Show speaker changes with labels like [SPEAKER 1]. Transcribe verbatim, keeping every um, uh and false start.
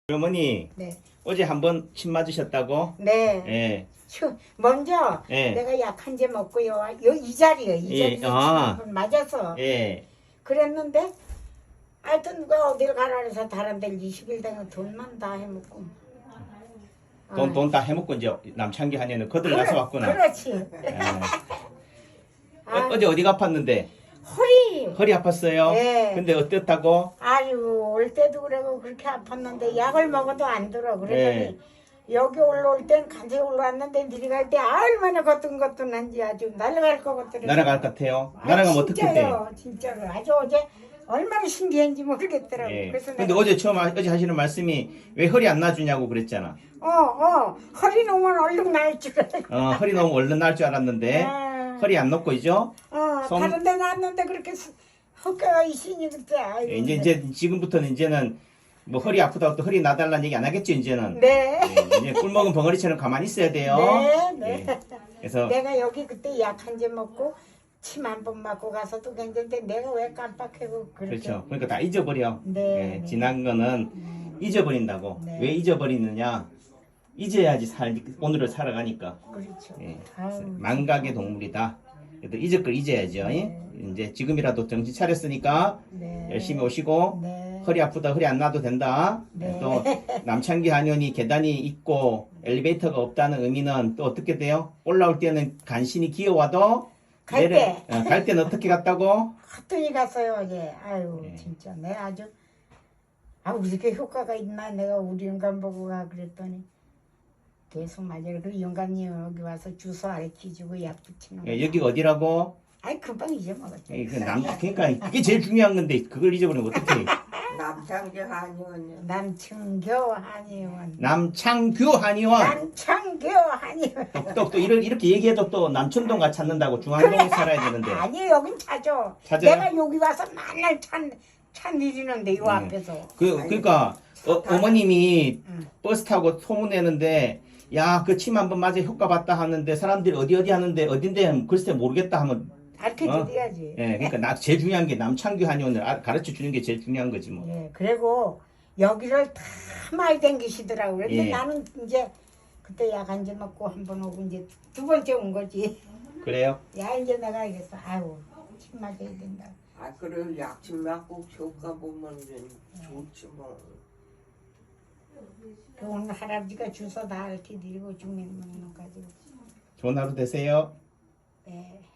[SPEAKER 1] 어머니
[SPEAKER 2] 네.
[SPEAKER 1] 어제 한번 침 맞으셨다고?
[SPEAKER 2] 네.
[SPEAKER 1] 예.
[SPEAKER 2] 추- 먼저
[SPEAKER 1] 예.
[SPEAKER 2] 내가 약한 제 먹고요. 요, 이 자리요. 이
[SPEAKER 1] 예,
[SPEAKER 2] 자리에서
[SPEAKER 1] 아.
[SPEAKER 2] 한번 맞아서
[SPEAKER 1] 예.
[SPEAKER 2] 그랬는데 하여튼 누가 어딜 가라 그래서 다른 데를 이십 일 되면 돈만 다 해먹고.
[SPEAKER 1] 돈
[SPEAKER 2] 아,
[SPEAKER 1] 돈 다 해먹고 이제 남창기 한에는 거들 나서 왔구나.
[SPEAKER 2] 그렇지.
[SPEAKER 1] 예. 어,
[SPEAKER 2] 아,
[SPEAKER 1] 어제 어디가 아팠는데?
[SPEAKER 2] 허리.
[SPEAKER 1] 허리 아팠어요?
[SPEAKER 2] 예.
[SPEAKER 1] 근데 어땠다고?
[SPEAKER 2] 아유 올 때도 그러고 그렇게 아팠는데 약을 먹어도 안 들어. 그러더니
[SPEAKER 1] 예.
[SPEAKER 2] 여기 올라올 땐 간세 올라왔는데 내려갈 때 얼마나 거뜬거뜬한지 아주 날아갈 것 같더라고요.
[SPEAKER 1] 날아갈 것 같아요?
[SPEAKER 2] 아,
[SPEAKER 1] 날아가면 어떻게 돼?
[SPEAKER 2] 진짜요, 진짜로 아주 어제 얼마나 신기한지 모르겠더라고.
[SPEAKER 1] 예.
[SPEAKER 2] 그래서
[SPEAKER 1] 근데
[SPEAKER 2] 내가
[SPEAKER 1] 어제 처음 하- 어제 하시는 말씀이 왜 허리 안 놔주냐고 그랬잖아.
[SPEAKER 2] 어, 어, 허리 놓으면 얼른 날 줄 알고.
[SPEAKER 1] 어, 허리 너무 얼른 날 줄 알았는데
[SPEAKER 2] 아,
[SPEAKER 1] 허리 안 놓고 있죠?
[SPEAKER 2] 어,
[SPEAKER 1] 손-
[SPEAKER 2] 다른 데 놨는데 그렇게 수- 헛가가 있으니 그때 아이고.
[SPEAKER 1] 예, 이제 이제 지금부터는 이제는 뭐 허리 아프다고 또 허리 나달라는 얘기 안 하겠죠 이제는.
[SPEAKER 2] 네.
[SPEAKER 1] 예, 이제 꿀 먹은 벙어리처럼 가만히 있어야 돼요.
[SPEAKER 2] 네, 네.
[SPEAKER 1] 예. 그래서
[SPEAKER 2] 내가 여기 그때 약 한 제 먹고 침 한 번 맞고 가서도 괜찮은데 내가 왜 깜빡하고 그렇게.
[SPEAKER 1] 그렇죠. 그러니까 다 잊어버려.
[SPEAKER 2] 네,
[SPEAKER 1] 예,
[SPEAKER 2] 네.
[SPEAKER 1] 지난 거는
[SPEAKER 2] 음,
[SPEAKER 1] 잊어버린다고.
[SPEAKER 2] 네.
[SPEAKER 1] 왜 잊어버리느냐? 잊어야지 살 오늘을 살아가니까.
[SPEAKER 2] 그렇죠.
[SPEAKER 1] 예.
[SPEAKER 2] 아유,
[SPEAKER 1] 망각의 동물이다. 그래도 잊을 걸 잊어야죠.
[SPEAKER 2] 네.
[SPEAKER 1] 이제 지금이라도 정신 차렸으니까
[SPEAKER 2] 네.
[SPEAKER 1] 열심히 오시고
[SPEAKER 2] 네.
[SPEAKER 1] 허리 아프다 허리 안 놔도 된다.
[SPEAKER 2] 네.
[SPEAKER 1] 또 남창기 한의원이 계단이 있고 엘리베이터가 없다는 의미는 또 어떻게 돼요? 올라올 때는 간신히 기어와도
[SPEAKER 2] 갈 때.
[SPEAKER 1] 어, 갈 때는 어떻게 갔다고?
[SPEAKER 2] 헛돈이 갔어요 어제. 아유
[SPEAKER 1] 네.
[SPEAKER 2] 진짜 내 아주 아 이렇게 효과가 있나 내가 우리 영감 보고 가 그랬더니 계속 맞아요. 그 영감님 여기 와서 주소 알려주고 약 붙이는 거.
[SPEAKER 1] 예, 여기가 어디라고?
[SPEAKER 2] 아이 금방 잊어먹었죠.
[SPEAKER 1] 예, 그 남, 그러니까 그게 제일 중요한 건데 그걸 잊어버리면 어떡해.
[SPEAKER 3] 남창기 한의원이요.
[SPEAKER 2] 남창교 한의원.
[SPEAKER 1] 남창규 한의원.
[SPEAKER 2] 남창교 한의원.
[SPEAKER 1] 또, 또 이렇게, 이렇게 얘기해도 또 남천동 가 찾는다고 중앙동에 살아야 되는데.
[SPEAKER 2] 아니 여긴 찾아.
[SPEAKER 1] 찾아요?
[SPEAKER 2] 내가 여기 와서 맨날 찬, 찬 일이는데 요
[SPEAKER 1] 음.
[SPEAKER 2] 앞에서.
[SPEAKER 1] 그, 그러니까 어, 어머님이
[SPEAKER 2] 응.
[SPEAKER 1] 버스 타고 소문내는데 야, 그 침 한 번 맞아 효과 봤다 하는데 사람들이 어디 어디 하는데 어딘데 글쎄 모르겠다 하면
[SPEAKER 2] 가르쳐
[SPEAKER 1] 어?
[SPEAKER 2] 드려야지.
[SPEAKER 1] 예, 그러니까 나 제일 중요한 게 남창규 한의원을 아- 가르쳐 주는 게 제일 중요한 거지 뭐.
[SPEAKER 2] 예, 그리고 여기를 다 많이 댕기시더라고. 그런데
[SPEAKER 1] 예.
[SPEAKER 2] 나는 이제 그때 약 한 제 먹고 한 번 오고 이제 두 번째 온 거지.
[SPEAKER 1] 그래요?
[SPEAKER 2] 야 이제 내가 알겠어. 아유 침 맞아야 된다.
[SPEAKER 3] 아 그래 약침 맞고 효과 보면 이제 좋지 뭐.
[SPEAKER 2] 그 오늘 할아버지가 주소 다 이렇게 드리고 중면 먹는 거 가지고.
[SPEAKER 1] 좋은 하루 되세요.
[SPEAKER 2] 네.